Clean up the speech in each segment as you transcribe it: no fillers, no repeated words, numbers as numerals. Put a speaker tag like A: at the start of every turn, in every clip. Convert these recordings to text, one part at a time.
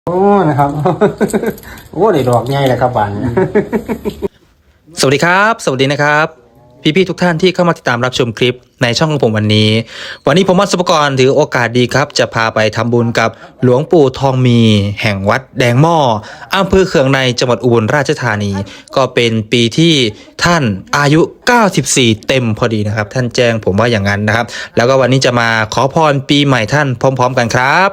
A: โอ้นะครับ โอ้ได้ดอกใหญ่เลยครับบ้านเนี่ย
B: สวัสดีครับสวัสดีนะครับพี่ๆทุกท่านที่เข้ามาติดตามรับชมคลิปในช่องของผมวันนี้ผมวัดสุปกรณ์ถือโอกาสดีครับจะพาไปทำบุญกับหลวงปู่ทองมีแห่งวัดแดงหม้ออำเภอเขืองในจังหวัดอุบลราชธานีก็เป็นปีที่ท่านอายุ94เต็มพอดีนะครับท่านแจ้งผมว่าอย่างนั้นนะครับแล้วก็วันนี้จะมาขอพรปีใหม่ท่านพร้อมๆกันครับ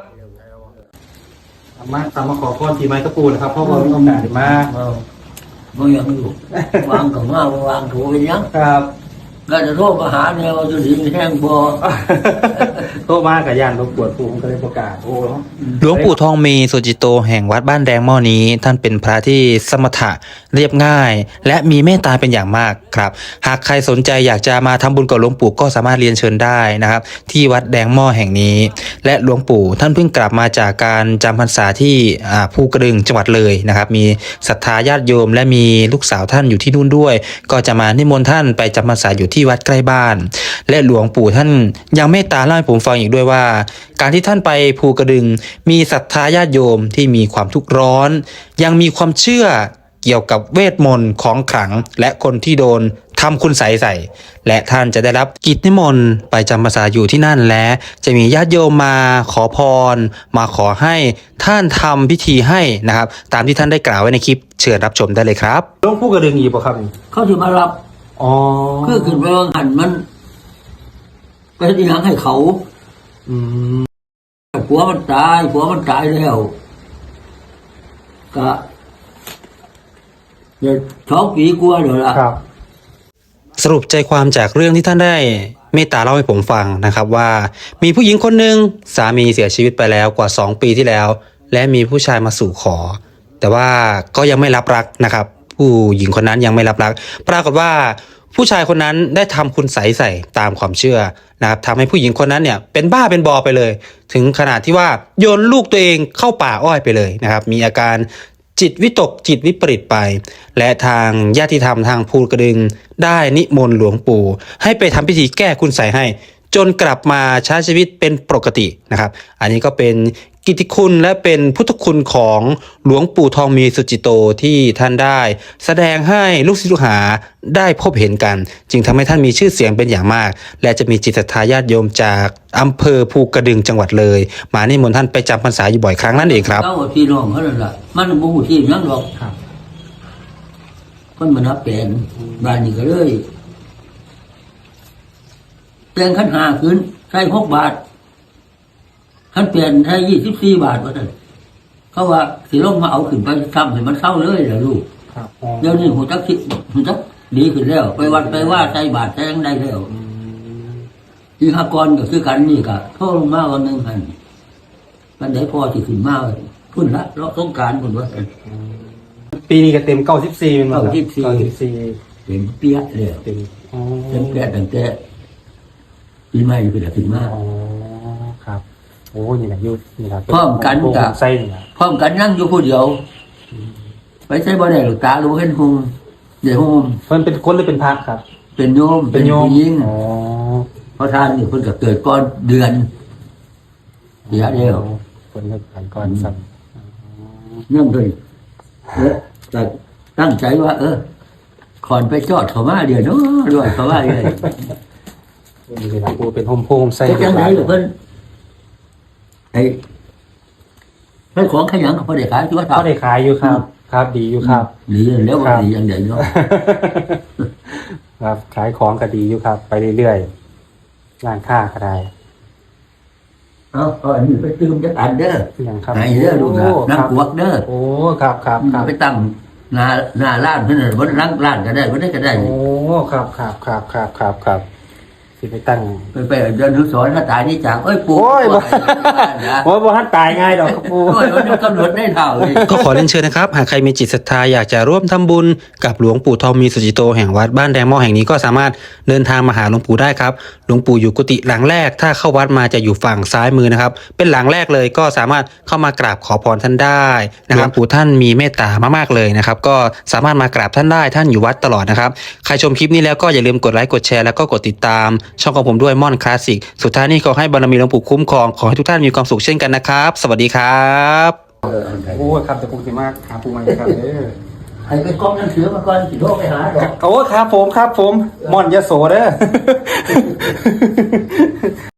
A: มาขอพรปีใหม่กระปูนะครับเพราะว่ามีโอกาสมา
C: บ่ยังอยู่วางกับว่าวางถูกเป็นยัง
A: ครับ
C: ก็จะโทษมาหาแนวจะถึงแห้งบ่
A: โทรมากับยานรบกวนผมก็เลยประกาศโอ้
B: หลวงปู่ทองมีสุจิโตแห่งวัดบ้านแดงหม้อนี้ท่านเป็นพระที่สมถะเรียบง่าย และมีเมตตาเป็นอย่างมากครับหากใครสนใจอยากจะมาทำบุญกับหลวงปู่ก็สามารถเรียนเชิญได้นะครับที่วัดแดงหม้อแห่งนี้และหลวงปู่ท่านเพิ่งกลับมาจากการจำพรรษาที่ภูกระดึงจังหวัดเลยนะครับมีศรัทธาญาติโยมและมีลูกสาวท่านอยู่ที่นู่นด้วยก็จะมานิมนต์ท่านไปจำพรรษาอยู่ที่วัดใกล้บ้านและหลวงปู่ท่านยังเมตตาเล่าให้ผมฟังอีกด้วยว่าการที่ท่านไปภูกระดึงมีศรัทธาญาติโยมที่มีความทุกข์ร้อนยังมีความเชื่อเกี่ยวกับเวทมนต์ของขลังและคนที่โดนทำคุณใส่และท่านจะได้รับกิจนิมนต์ไปจำพรรษาอยู่ที่นั่นและจะมีญาติโยมมาขอพรมาขอให้ท่านทำพิธีให้นะครับตามที่ท่านได้กล่าวไว้ในคลิปเชิญรับชมได้เลยครับ
A: หลวงปู่กระดึงอีกป่ะครับ
C: เขาจะมารับ
A: อ๋อ
C: คือขึ้นไปวางหันมันไปที่หางให้เขาผัวมันตายแล้วก็เดี๋ยว2 ปีกว่าเดี๋ยวละ
A: ครับ
B: สรุปใจความจากเรื่องที่ท่านได้เมตตาเล่าให้ผมฟังนะครับว่ามีผู้หญิงคนหนึ่งสามีเสียชีวิตไปแล้วกว่า2 ปีที่แล้วและมีผู้ชายมาสู่ขอแต่ว่าก็ยังไม่รับรักนะครับผู้หญิงคนนั้นยังไม่รับรักปรากฏว่าผู้ชายคนนั้นได้ทำคุณใส่ตามความเชื่อนะครับทำให้ผู้หญิงคนนั้นเนี่ยเป็นบ้าเป็นบอไปเลยถึงขนาดที่ว่าโยนลูกตัวเองเข้าป่าอ้อยไปเลยนะครับมีอาการจิตวิตกจิตวิปริตไปและทางญาติธรรมทางภูกระดึงได้นิมนต์หลวงปู่ให้ไปทำพิธีแก้คุณใส่ให้จนกลับมาใช้ชีวิตเป็นปกตินะครับอันนี้ก็เป็นกิตติคุณและเป็นพุทธคุณของหลวงปู่ทองมีสุจิโตที่ท่านได้แสดงให้ลูกศิษย์ลูกหาได้พบเห็นกันจึงทำให้ท่านมีชื่อเสียงเป็นอย่างมากและจะมีจิตศรัทธาญาติโยมจากอำเภอภูกระดึงจังหวัดเลยมานิมนต์ท่านไปจำพรรษาอยู่บ่อยครั้งนั่นเองครับ
C: เจ้าพี่น้องเขาเลยล่ะมันบ่ฮู้ที่ยังหรอกคนมันนับเป็นบ้านนี้ก็เลยแต่งขัน5ขึ้นใช้6 บาทขันเปลี่ยนใช้24 บาทว่าท่านเขาว่าสิลงมาเอาขึ้นไปทำให้มันเศร้าเลยเหรอลูกเดี๋ยวนี้หูจักคิดหูจักดีขึ้นแล้วไปวัดไปว่าใช้บาทใช้ยังได้แล้วที่หากรก็คือกันนี่ก็โทษลงมาวันหนึ่งหันมันได้พอที่ขึ้นมาพุ่นละเลาะสงกรานต์พุ่นว่า
A: ปีนี้ก็เต็ม94มัน
C: 94เต็มเปี้ยเลยเต็มเปี้ยตั้งแต่ปีใหม่ขึ้นละขึ้นมา
A: อ๋อครับโอ้นี่แหละยุคนี่ครับ
C: พร้อมกันกับ
A: ไส้นี่นะ
C: พร้อมกันนั่งอยู่ผู้เดียวไปใช้บ่ได้หรอกตารู้เห็นหงเดี๋ยวหง
A: มันเป็นคนหรือเป็นพระครับ
C: เป็นโยม
A: เป็น
C: หญิง
A: อ๋อ
C: เพราะท่านนี่เพิ่นก็เกิดก่อนเดือนเดียว
A: คนเกิดก่อนสั่ง
C: เนื่องด้วยแต่ตั้งใจว่าขอนไปจอดเขามาเดี๋ยวเนาะด้วยเขาว่าเลย
A: นี่แหละกูเป็นโฮมไส้
C: จังไหนหรือเพิ่นไอ้ของขยันเขาได้ขายอยู่
A: เขาได้ขายอยู่ครับครับดีอยู่ครับ
C: ดีแล้วก็ดีอย่างเดียวเนาะ
A: ครับขายของก็ดีอยู่ครับไปเรื่อยๆร้านค้าก็ได้
C: อันนี้ไปตื่มจักอันเด้อไหนเด้อลูกน้ำกวกเด้อ
A: โอ้ครับ
C: ไปตั้งหน้าร้านเพิ่นบ่ร้านก็ได้บ่ได้ก็ได้
A: โอ้ครับสิไปตั้ง
C: ไปเดินทุสอนถ้าตายนี่จากปู่
A: บ่ทันตายง่ายดอกครับปู่
C: กำหนดได้เท่า
B: ก็ขอเรียนเชิญนะครับหากใครมีจิตศรัทธาอยากจะร่วมทำบุญกับหลวงปู่ทองมีสุจิโตแห่งวัดบ้านแดงหม้อแห่งนี้ก็สามารถเดินทางมาหาหลวงปู่ได้ครับหลวงปู่อยู่กุฏิหลังแรกถ้าเข้าวัดมาจะอยู่ฝั่งซ้ายมือนะครับเป็นหลังแรกเลยก็สามารถเข้ามากราบขอพรท่านได้นะครับหลวงปู่ท่านมีเมตตามากๆเลยนะครับก็สามารถมากราบท่านได้ท่านอยู่วัดตลอดนะครับใครชมคลิปนี้แล้วก็อย่าลืมกดไลค์กดแชร์แล้วก็กดติดตามช่องของผมด้วยม่อนคลาสสิกสุดท้ายนี้ขอให้บารมีหลวงปู่คุ้มครองขอให้ทุกท่านมีความสุขเช่นกันนะครับสวัสดีครับ
C: มันไทย
A: โอ้ครับแต่ผมสิมากหาปูใหม่ครับเด้อ
C: ให้ไปกล้องหนังสือมาก่อนสิโทรไปหาดอก
A: โอ้ครับผมม่อนยโสเด้อ